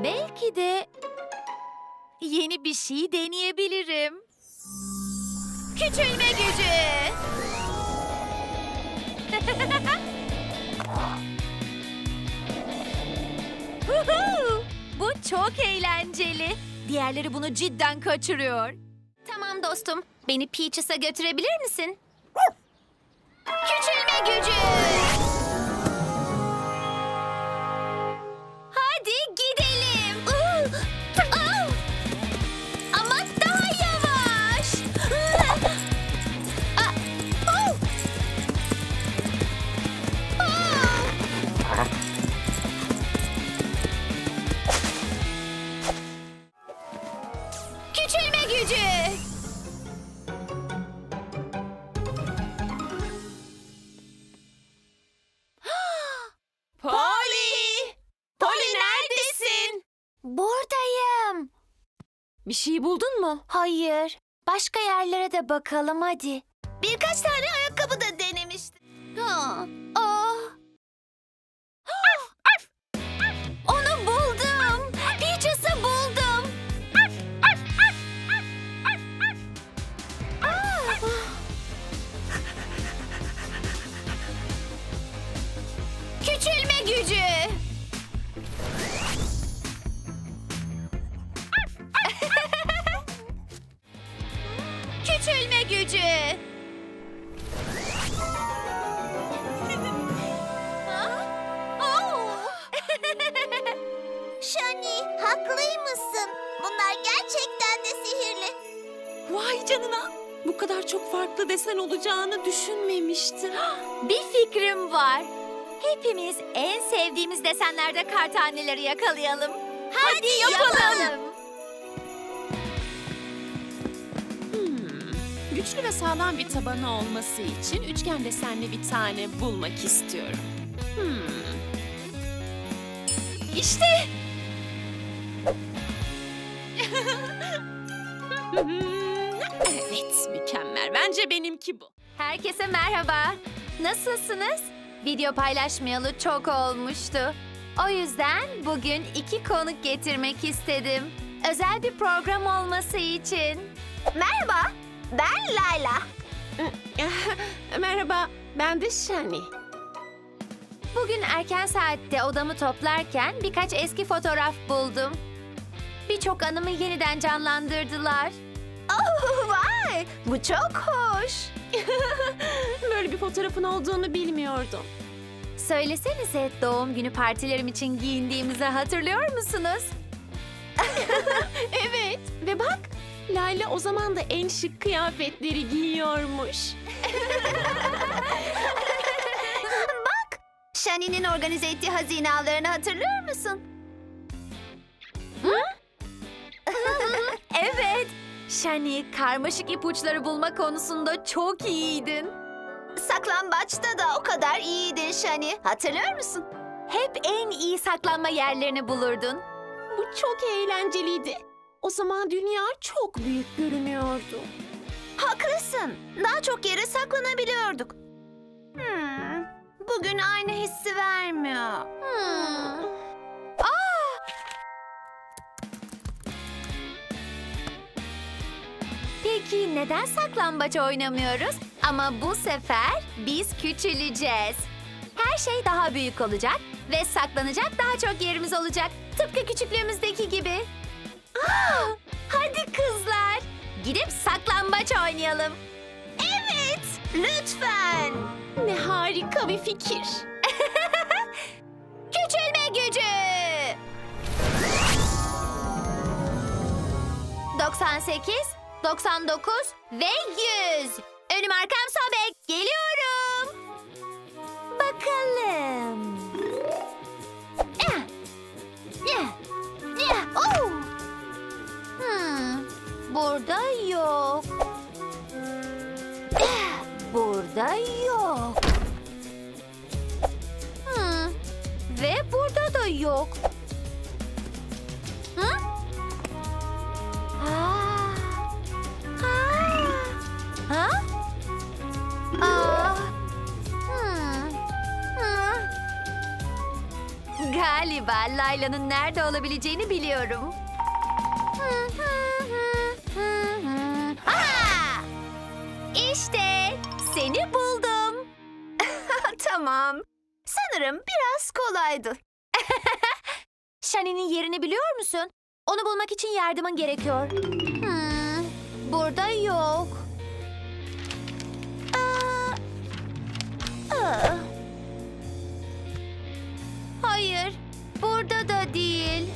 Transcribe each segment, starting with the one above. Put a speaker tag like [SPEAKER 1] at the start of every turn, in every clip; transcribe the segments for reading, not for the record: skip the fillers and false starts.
[SPEAKER 1] Belki de yeni bir şey deneyebilirim. Küçülme gücü. Huhu! Bu çok eğlenceli. Diğerleri bunu cidden kaçırıyor. Tamam dostum, beni Peaches'a götürebilir misin? Küçülme gücü. Hadi gidelim. Ama daha yavaş. Küçülme gücü.
[SPEAKER 2] Polly! Polly neredesin?
[SPEAKER 1] Buradayım.
[SPEAKER 2] Bir şey buldun mu?
[SPEAKER 1] Hayır. Başka yerlere de bakalım hadi. Birkaç tane ayakkabı da denemiştim. Onu buldum. Peaches'ı buldum. Küçülme gücü. Küçülme gücü.
[SPEAKER 3] Shani, haklıymışsın. Bunlar gerçekten de sihirli.
[SPEAKER 2] Vay canına! Bu kadar çok farklı desen olacağını düşünmemiştim.
[SPEAKER 1] Bir fikrim var. Hepimiz en sevdiğimiz desenlerde kartaneleri yakalayalım. Hadi yapalım.
[SPEAKER 2] Güçlü ve sağlam bir tabanı olması için üçgen desenli bir tane bulmak istiyorum. İşte! Evet, mükemmel. Bence benimki bu.
[SPEAKER 1] Herkese merhaba. Nasılsınız? Video paylaşmayalı çok olmuştu. O yüzden bugün 2 konuk getirmek istedim. Özel bir program olması için.
[SPEAKER 3] Merhaba, ben Layla.
[SPEAKER 2] Merhaba, ben de Shani.
[SPEAKER 1] Bugün erken saatte odamı toplarken birkaç eski fotoğraf buldum. Birçok anımı yeniden canlandırdılar.
[SPEAKER 3] Oh, vay, bu çok hoş.
[SPEAKER 2] Böyle bir fotoğrafın olduğunu bilmiyordum.
[SPEAKER 1] Söylesenize, doğum günü partilerim için giyindiğimizi hatırlıyor musunuz?
[SPEAKER 2] Evet ve bak Layla o zaman da en şık kıyafetleri giyiyormuş.
[SPEAKER 3] Shani'nin organize ettiği hazine avlarını hatırlıyor musun?
[SPEAKER 1] Evet. Shani, karmaşık ipuçları bulma konusunda çok iyiydin.
[SPEAKER 3] Saklambaçta da o kadar iyiydin Shani. Hatırlıyor musun?
[SPEAKER 1] Hep en iyi saklanma yerlerini bulurdun.
[SPEAKER 2] Bu çok eğlenceliydi. O zaman dünya çok büyük görünüyordu.
[SPEAKER 3] Haklısın. Daha çok yere saklanabiliyorduk. Bugün aynı hissi vermiyor.
[SPEAKER 1] Peki neden saklambaç oynamıyoruz? Ama bu sefer biz küçüleceğiz. Her şey daha büyük olacak ve saklanacak daha çok yerimiz olacak. Tıpkı küçüklüğümüzdeki gibi. Hadi kızlar, gidip saklambaç oynayalım.
[SPEAKER 3] Evet, lütfen.
[SPEAKER 2] Ne harika bir fikir.
[SPEAKER 1] Küçülme gücü. 98, 99 ve 100. Önüm arkam sobek. Geliyorum. Bakalım.
[SPEAKER 3] Oh!
[SPEAKER 1] Burada yok. Burada yok. Ve burada da yok. Hı? Ha? Layla'nın nerede olabileceğini biliyorum. Aha! İşte seni buldum.
[SPEAKER 3] Tamam. Sanırım biraz kolaydı.
[SPEAKER 1] Shani'nin yerini biliyor musun? Onu bulmak için yardımın gerekiyor. Burada yok. Hayır, burada da değil.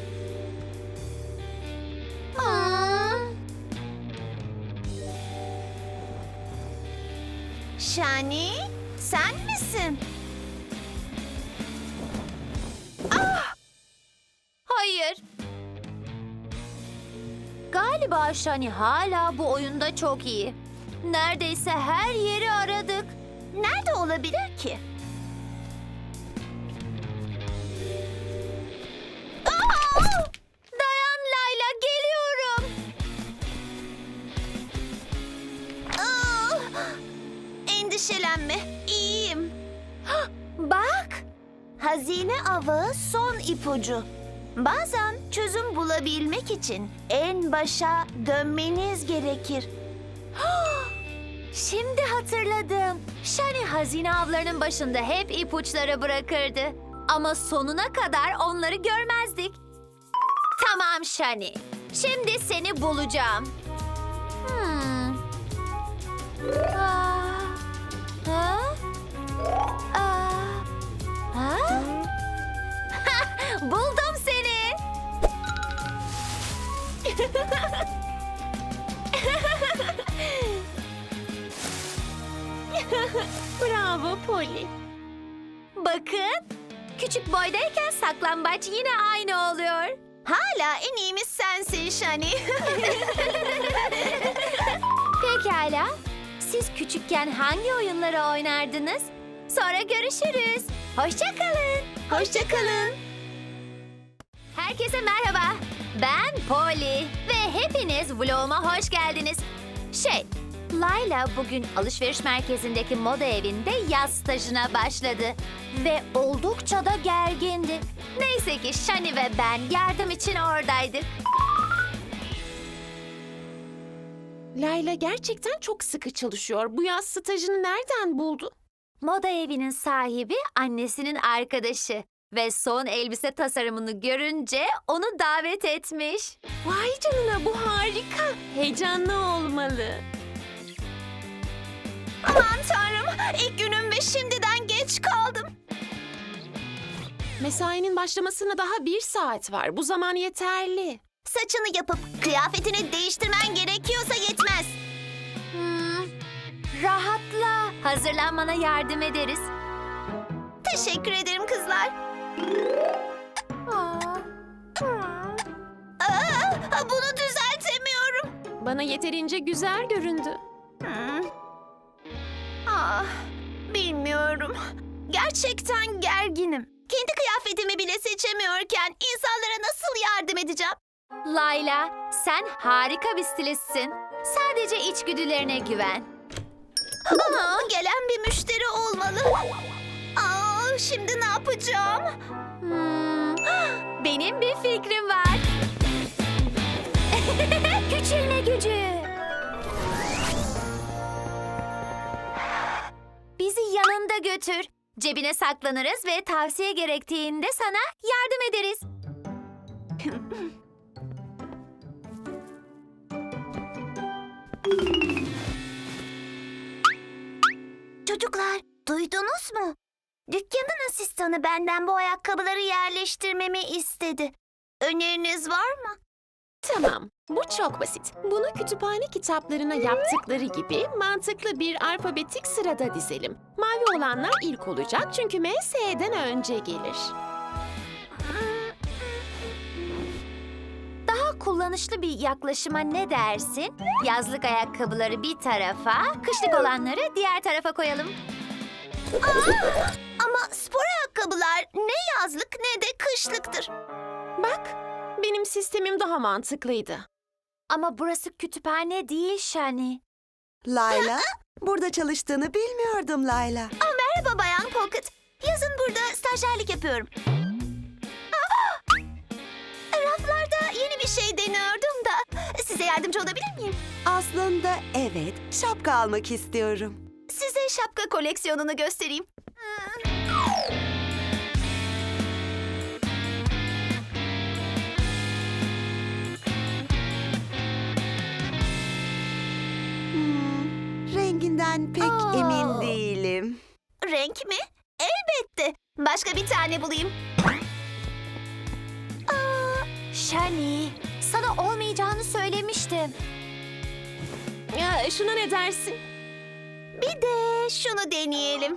[SPEAKER 3] Shani, sen misin?
[SPEAKER 1] Hayır. Galiba Shani hala bu oyunda çok iyi. Neredeyse her yeri aradık.
[SPEAKER 3] Nerede olabilir ki?
[SPEAKER 1] Dayan Layla, geliyorum.
[SPEAKER 3] Endişelenme, iyiyim.
[SPEAKER 1] Bak.
[SPEAKER 3] Hazine avı son ipucu. Bazen çözüm bulabilmek için en başa dönmeniz gerekir.
[SPEAKER 1] Şimdi hatırladım. Shani hazine avlarının başında hep ipuçları bırakırdı. Ama sonuna kadar onları görmezdik. Tamam Shani. Şimdi seni bulacağım. Ha? Ha? Buldum seni.
[SPEAKER 2] Bravo Polly.
[SPEAKER 1] Bakın. Küçük boydayken saklambaç yine aynı oluyor.
[SPEAKER 3] Hala en iyimiz sensin Shani.
[SPEAKER 1] Pekala. Siz küçükken hangi oyunları oynardınız? Sonra görüşürüz. Hoşça kalın.
[SPEAKER 3] Hoşça kalın.
[SPEAKER 1] Herkese merhaba. Ben Polly ve hepiniz vloguma hoş geldiniz. Layla bugün alışveriş merkezindeki moda evinde yaz stajına başladı. Ve oldukça da gergindi. Neyse ki Shani ve ben yardım için oradaydık.
[SPEAKER 2] Layla gerçekten çok sıkı çalışıyor. Bu yaz stajını nereden buldu?
[SPEAKER 1] Moda evinin sahibi annesinin arkadaşı. Ve son elbise tasarımını görünce onu davet etmiş.
[SPEAKER 2] Vay canına, bu harika. Heyecanlı olmalı.
[SPEAKER 3] Aman tanrım, ilk günüm ve şimdiden geç kaldım.
[SPEAKER 2] Mesainin başlamasına daha 1 saat var. Bu zaman yeterli.
[SPEAKER 3] Saçını yapıp kıyafetini değiştirmen gerekiyorsa yetmez.
[SPEAKER 1] Rahatla. Hazırlanmana yardım ederiz.
[SPEAKER 3] Teşekkür ederim kızlar. Bunu düzeltemiyorum.
[SPEAKER 2] Bana yeterince güzel göründü.
[SPEAKER 3] Bilmiyorum. Gerçekten gerginim. Kendi kıyafetimi bile seçemiyorken insanlara nasıl yardım edeceğim?
[SPEAKER 1] Layla, sen harika bir stilistsin. Sadece içgüdülerine güven.
[SPEAKER 3] Gelen bir müşteri olmalı. Şimdi ne yapacağım?
[SPEAKER 1] Benim bir fikrim var. Küçülme gücü. Bizi yanında götür. Cebine saklanırız ve tavsiye gerektiğinde sana yardım ederiz.
[SPEAKER 3] Çocuklar, duydunuz mu? Dükkanın asistanı benden bu ayakkabıları yerleştirmemi istedi. Öneriniz var mı?
[SPEAKER 2] Tamam, bu çok basit. Bunu kütüphane kitaplarına yaptıkları gibi mantıklı bir alfabetik sırada dizelim. Mavi olanlar ilk olacak çünkü M, S'den önce gelir.
[SPEAKER 1] Daha kullanışlı bir yaklaşıma ne dersin? Yazlık ayakkabıları bir tarafa, kışlık olanları diğer tarafa koyalım.
[SPEAKER 3] Ama spor ayakkabılar ne yazlık ne de kışlıktır.
[SPEAKER 2] Bak, benim sistemim daha mantıklıydı.
[SPEAKER 1] Ama burası kütüphane değil Shani.
[SPEAKER 4] Layla, burada çalıştığını bilmiyordum Layla.
[SPEAKER 3] Merhaba Bayan Pocket. Yazın burada stajyerlik yapıyorum. bir şey deniyordum da. Size yardımcı olabilir miyim?
[SPEAKER 4] Aslında evet, şapka almak istiyorum.
[SPEAKER 3] Size şapka koleksiyonunu göstereyim.
[SPEAKER 4] Renginden pek
[SPEAKER 3] Aa.
[SPEAKER 4] emin değilim.
[SPEAKER 3] Renk mi? Elbette. Başka bir tane bulayım.
[SPEAKER 1] Shani, sana olmayacağını söylemiştim.
[SPEAKER 2] Ya, şuna ne dersin?
[SPEAKER 3] Bir de şunu deneyelim.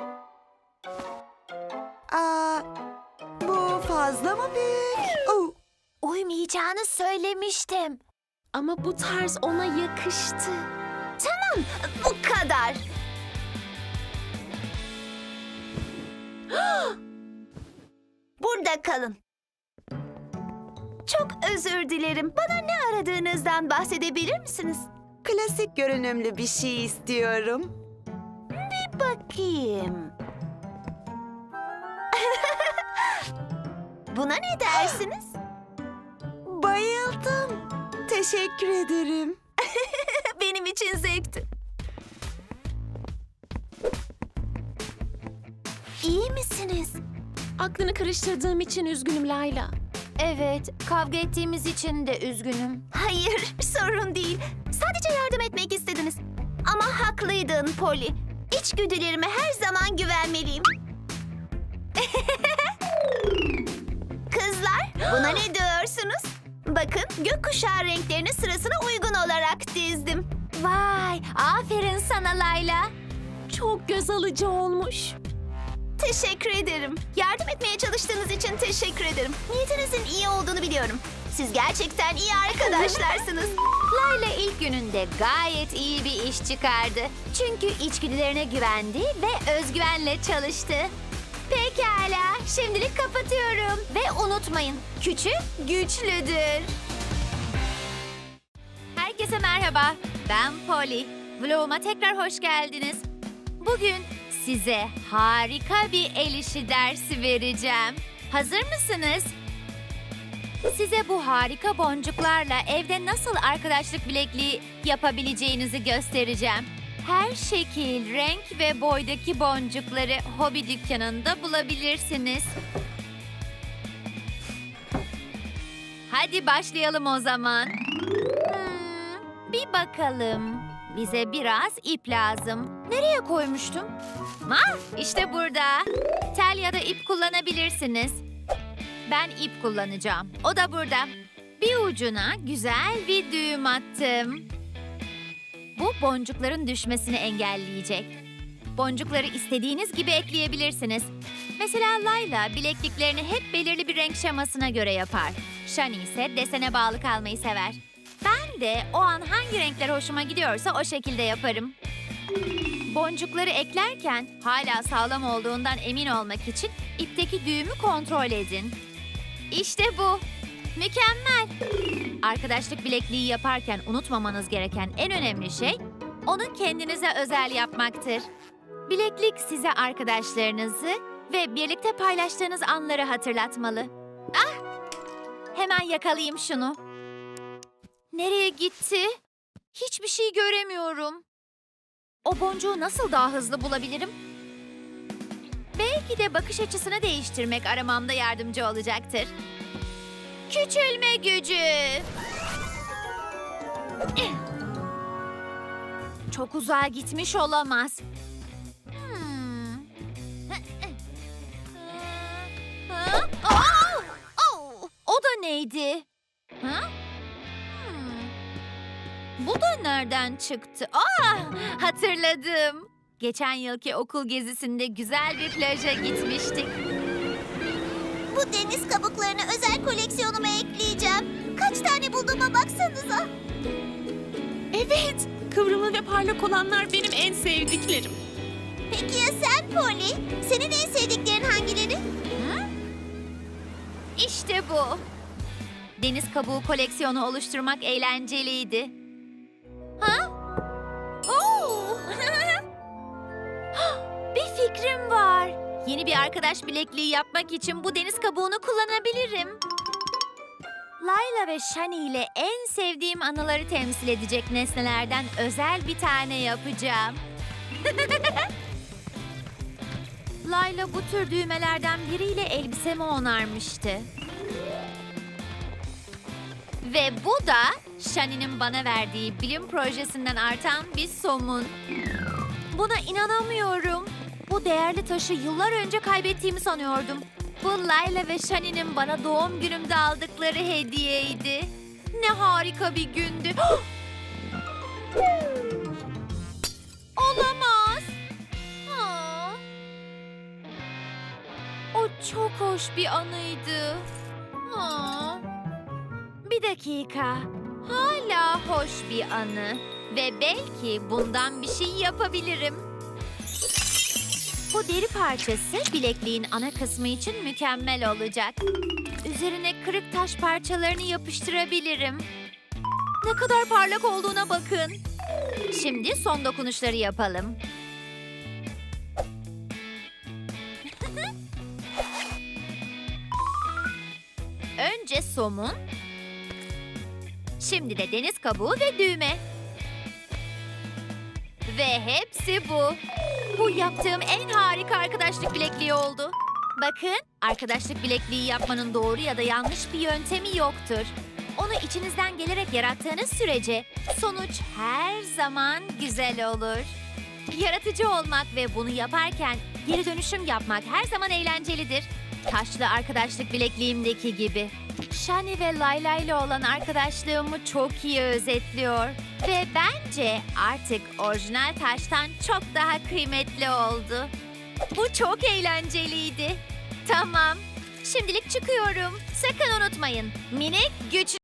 [SPEAKER 4] Aa, bu fazla mı büyük? Oh,
[SPEAKER 1] Uymayacağını söylemiştim.
[SPEAKER 2] Ama bu tarz ona yakıştı.
[SPEAKER 3] Bu kadar. Burada kalın. Çok özür dilerim. Bana ne aradığınızdan bahsedebilir misiniz?
[SPEAKER 4] klasik görünümlü bir şey istiyorum.
[SPEAKER 3] Bakayım. Buna ne dersiniz?
[SPEAKER 4] Bayıldım. Teşekkür ederim.
[SPEAKER 3] Benim için zevkti. İyi misiniz?
[SPEAKER 2] Aklını karıştırdığım için üzgünüm Layla.
[SPEAKER 1] Evet, kavga ettiğimiz için de üzgünüm.
[SPEAKER 3] Hayır, sorun değil. Sadece yardım etmek istediniz. Ama haklıydın Polly. İçgüdülerime her zaman güvenmeliyim. Kızlar, buna ne diyorsunuz? Bakın, gökkuşağı renklerini sırasına uygun olarak dizdim.
[SPEAKER 1] Vay, aferin sana Layla.
[SPEAKER 2] Çok göz alıcı olmuş.
[SPEAKER 3] Teşekkür ederim. Yardım etmeye çalıştığınız için teşekkür ederim. Niyetinizin iyi olduğunu biliyorum. Siz gerçekten iyi arkadaşlarsınız.
[SPEAKER 1] Layla ilk gününde gayet iyi bir iş çıkardı. Çünkü içgüdülerine güvendi ve özgüvenle çalıştı. Pekala, şimdilik kapatıyorum. Ve unutmayın, küçük güçlüdür. Herkese merhaba, ben Polly. Vloguma tekrar hoş geldiniz. Bugün size harika bir el işi dersi vereceğim. Hazır mısınız? Size bu harika boncuklarla evde nasıl arkadaşlık bilekliği yapabileceğinizi göstereceğim. Her şekil, renk ve boydaki boncukları hobi dükkanında bulabilirsiniz. Hadi başlayalım o zaman. Bir bakalım. Bize biraz ip lazım. Nereye koymuştum? İşte burada. Tel ya da ip kullanabilirsiniz. Ben ip kullanacağım. O da burada. Bir ucuna güzel bir düğüm attım. Bu boncukların düşmesini engelleyecek. Boncukları istediğiniz gibi ekleyebilirsiniz. Mesela Layla bilekliklerini hep belirli bir renk şemasına göre yapar. Shani ise desene bağlı kalmayı sever. Ben de o an hangi renkler hoşuma gidiyorsa o şekilde yaparım. Boncukları eklerken hala sağlam olduğundan emin olmak için ipteki düğümü kontrol edin. İşte bu. Mükemmel. Arkadaşlık bilekliği yaparken unutmamanız gereken en önemli şey onu kendinize özel yapmaktır. Bileklik size arkadaşlarınızı ve birlikte paylaştığınız anları hatırlatmalı. Hemen yakalayayım şunu. Nereye gitti? Hiçbir şey göremiyorum. O boncuğu nasıl daha hızlı bulabilirim? Belki de bakış açısını değiştirmek aramamda yardımcı olacaktır. Küçülme gücü. Çok uzağa gitmiş olamaz. O da neydi? Bu da nereden çıktı? Hatırladım. Geçen yılki okul gezisinde güzel bir plaja gitmiştik.
[SPEAKER 3] Bu deniz kabuklarını özel koleksiyonuma ekleyeceğim. Kaç tane bulduğuma baksanıza.
[SPEAKER 2] Evet, kıvrımlı ve parlak olanlar benim en sevdiklerim.
[SPEAKER 3] Peki ya sen Polly? Senin en sevdiklerin hangileri?
[SPEAKER 1] İşte bu. Deniz kabuğu koleksiyonu oluşturmak eğlenceliydi. Bir fikrim var. Yeni bir arkadaş bilekliği yapmak için bu deniz kabuğunu kullanabilirim. Layla Layla ve Shani ile en sevdiğim anıları temsil edecek nesnelerden özel bir tane yapacağım. Layla bu tür düğmelerden biriyle elbisemi onarmıştı. Ve bu da Shani'nin bana verdiği bilim projesinden artan bir somun. Buna inanamıyorum. Bu değerli taşı yıllar önce kaybettiğimi sanıyordum. Bu Layla ve Shani'nin bana doğum günümde aldıkları hediyeydi. Ne harika bir gündü. Olamaz. Aa. O çok hoş bir anıydı. Aa. Bir dakika. Hala hoş bir anı. Ve belki bundan bir şey yapabilirim. Bu deri parçası bilekliğin ana kısmı için mükemmel olacak. Üzerine kırık taş parçalarını yapıştırabilirim. Ne kadar parlak olduğuna bakın. Şimdi son dokunuşları yapalım. Önce somun. Şimdi de deniz kabuğu ve düğme. Ve hepsi bu. Bu yaptığım en harika arkadaşlık bilekliği oldu. Bakın, arkadaşlık bilekliği yapmanın doğru ya da yanlış bir yöntemi yoktur. Onu içinizden gelerek yarattığınız sürece sonuç her zaman güzel olur. Yaratıcı olmak ve bunu yaparken geri dönüşüm yapmak her zaman eğlencelidir. Taşlı arkadaşlık bilekliğimdeki gibi. Shani ve Layla ile olan arkadaşlığımı çok iyi özetliyor. Ve bence artık orijinal taştan çok daha kıymetli oldu. Bu çok eğlenceliydi. Tamam, şimdilik çıkıyorum. Sakın unutmayın. Minik güç